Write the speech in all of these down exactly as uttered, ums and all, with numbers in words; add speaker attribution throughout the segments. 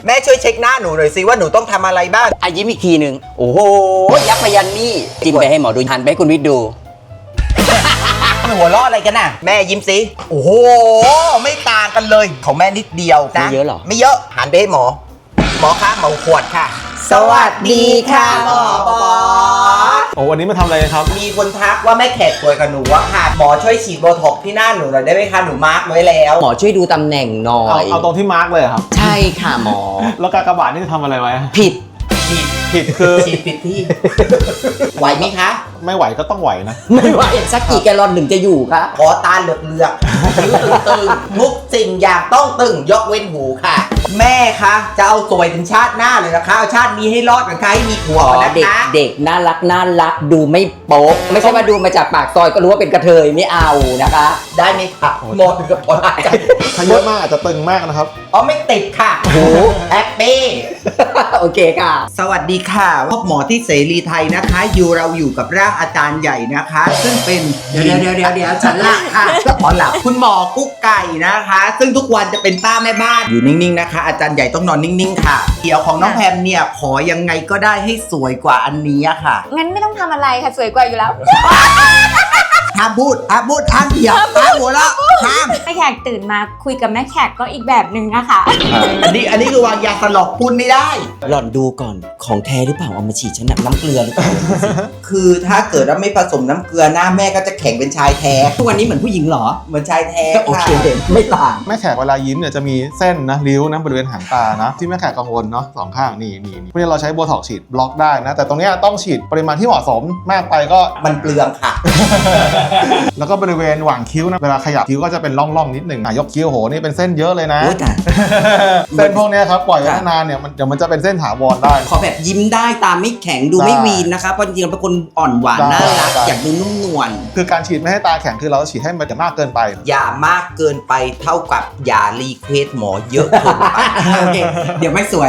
Speaker 1: แม่ช่วยเช็คหน้าหนูหน่อยสิว่าหนูต้องทำอะไรบ้าง
Speaker 2: อ่ะยิ้มอีกทีหนึ่งโอ้โหยักษ์พยันนี่จิ้มไปให้หมอดูหันไปให้คุณวิทย์ดู
Speaker 1: หัวล้ออะไรกันน่ะแม่ยิ้มสิโอ้โหไม่ต่างกันเลยของแม่นิดเดียวนะ
Speaker 2: ไม่เยอะหรอ
Speaker 1: ไม่เยอะหันไปให้หมอหมอคะหมอขวดค่ะสวัสดีค่ะหมอบอส
Speaker 3: โอ้วันนี้มาทำอะไรครับ
Speaker 1: มีคนทักว่าแม่แขกป่วยกับหนูว่าค่ะหมอช่วยฉีดโบท็อกซ์ที่หน้าหนูหน่อยได้ไหมคะหนูมาร์กไว้แล้ว
Speaker 2: หมอช่วยดูตำแหน่งหน่อ
Speaker 3: เอา
Speaker 2: ย
Speaker 3: เอาตรงที่มาร์กเลยครับ
Speaker 2: ใช่ค่ะหมอ
Speaker 3: แล้วกากบาทนี่จะทำอะไรไว้
Speaker 2: ผิด
Speaker 1: ฉีด
Speaker 3: ผิดคือ
Speaker 1: ฉีดผิดที่ไหวไหมคะ
Speaker 3: ไม่ไหวก็ต้องไหวนะ
Speaker 2: ไม่ไหวสักกี่แกลลอนถึงจะอยู่คะ
Speaker 1: ขอตาเหลือกเลือกคิ้วตึงๆทุกสิ่งอย่างต้องตึงยกเว้นหูค่ะ แม่คะจะเอาสวยถึงชาติหน้าเลยนะคะเอาชาตินี้ให้รอดกันค่ะให้มีผัว
Speaker 2: อ๋อ
Speaker 1: กันนะ
Speaker 2: เด็ก
Speaker 1: คะ
Speaker 2: เด็กน่ารักน่ารักดูไม่โป๊ะไม่ใช่ว่าดูมาจากปากซอยก็รู้ว่าเป็นกระเทยไม่เอานะคะ
Speaker 1: ได้ไหมคะหมดกับพอได้
Speaker 3: ถ้าเยอะมากอาจจะตึงมากนะครับ
Speaker 1: อ๋อไม่ติดค่ะโอ้แฮปปี้
Speaker 2: โอเคค่ะ
Speaker 1: สวัสดีค่ะพบหมอที่เสรีไทยนะคะอยู่เราอยู่กับร่างอาจารย์ใหญ่นะคะ ซึ่งเป็นเดี๋ยวเดี๋ยวเดี๋ยวเดี๋ยวฉันหลับค่ะขอหลับคุณหมอกุ๊กไก่นะคะ ซึ่งทุกวันจะเป็นป้าแม่บ้านอยู่นิ่งๆนะคะ อาจารย์ใหญ่ต้องนอนนิ่งๆค่ะเดี๋ยวของน้องแพมเนี่ยขอยังไงก็ได้ให้สวยกว่าอันนี้ค่ะ
Speaker 4: งั้นไม่ต้องทำอะไรค่ะสวยกว่าอยู่แล้ว
Speaker 1: ห้ามพูดห้ามพูดห้ามเถียงห้ามหัวเราะห้าม
Speaker 4: แม่แขกตื่นมาคุยกับแม่แขกก็อีกแบบหนึ่งนะคะ
Speaker 1: อันนี้อันนี้คือวางยาสลบพูดไม่ได้
Speaker 2: หล่อนดูก่อนของแท้หรือเปล่าเอามาฉีดฉันน่ะน้ำเกลือหรือเปล่า
Speaker 1: คือถ้าเกิดว่าไม่ผสมน้ำเกลือหน้าแม่ก็จะแข็งเป็นชายแท้
Speaker 2: ทุกวันนี้เหมือนผู้หญิงเหรอ
Speaker 1: เหมือนชายแท้
Speaker 2: โอเค
Speaker 1: ค่ะ
Speaker 2: ไม่ต่าง
Speaker 3: แม่แขกเวลายิ้มเนี่ยจะมีเส้นนะริ้วนะบริเวณหางตานะที่แม่แขกกังวลเนาะสองข้างนี่นี่นี่เพราะฉะนั้นเราใช้โบท็อกซ์ฉีดบล็อกได้นะแต่ตรงเนี้ยต้องฉีดปริมาณที่เหมาะสมมากไปก็
Speaker 1: มันเปลืองค่ะ
Speaker 3: แล้วก็บริเวณหว่างคิ้วนะเวลาขยับคิ้วก็จะเป็นร่องๆนิดหนึ่งอ่ะยกคิ้วโหนี่เป็นเส้นเยอะเลยนะ
Speaker 2: โอ้ยแต่
Speaker 3: เส้นพวกเนี้ยครับปล่อยไว้นานๆเนี่ยมันเดี๋ยวมันจะเป็นเส้นถาวรได้
Speaker 2: ขอแบบยิ้มได้ตาไม่แข็งดูไม่วีนนะคะเพราะจริงๆเราเป็นคนอ่อนหวาน
Speaker 3: ได้
Speaker 2: น่ารัก
Speaker 3: ได้
Speaker 2: อยากดูนุ่มนวล
Speaker 3: คือการฉีดไม่ให้ตาแข็งคือเราฉีดให้มันจะมากเกินไป
Speaker 1: อย่ามากเกินไปเท่ากับอย่ารีเควสหมอเยอะเกินไป
Speaker 2: โอเคเดี๋ยวไม่สวย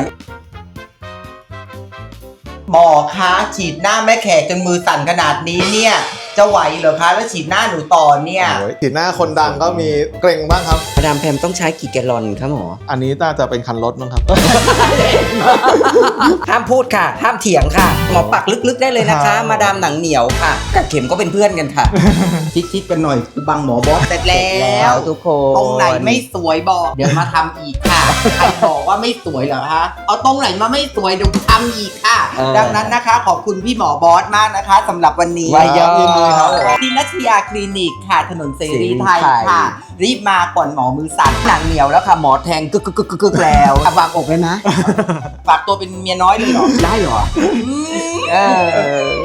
Speaker 1: หมอคะฉีดหน้าแม่แขกจนมือสั่นขนาดนี้เนี่ย จะไหวเหรอคะแล้วฉีดหน้าหนูต่อเนี่ย
Speaker 3: โอ้ยฉีดหน้าคนดังก็มีเกรงบ้างครับ
Speaker 2: มาดามแพมต้องใช้กี่แกลลอนคะหมอ
Speaker 3: อันนี้น่าจะเป็นคันรถมั้งครับ
Speaker 2: ห้ามพูดค่ะ ห้ามเถียงค่ะ หมอปักลึกๆได้เลยนะคะ
Speaker 3: ครับ
Speaker 2: มาดามหนังเหนียวค่ะกับเข็มก็เป็นเพื่อนกันค่ะ
Speaker 1: ชิดๆกันหน่อยกูบังหมอบอสเสร็จแล้ว
Speaker 2: ทุกคน
Speaker 1: ตรงไหนไม่สวยบอก เดี๋ยวมาทำอีกค่ะ ใครบอกว่าไม่สวยเหรอคะ เอาตรงไหนมาไม่สวยเดี๋ยวทำอีกค่ะ ดังนั้นนะคะ ขอบคุณพี่หมอบอสมากนะคะสำหรับวันนี้
Speaker 2: วายยอ
Speaker 3: ยินดีครับ
Speaker 1: ที่นัชยาคลินิกค่ะ ถนนเสรีไทย
Speaker 2: เสรีไทย
Speaker 1: ค่ะ รีบมาก่อนหมอมือสั่น
Speaker 2: หนังเหนียวแล้วค่ะ หมอแทงกึกกึกกึกกึกแล้วอ่ะวางอกเลยนะ
Speaker 1: ฝากตัวเป็นเมียน้อยเลยเหรอ
Speaker 2: ได้เหรอ
Speaker 1: อืม
Speaker 2: เออ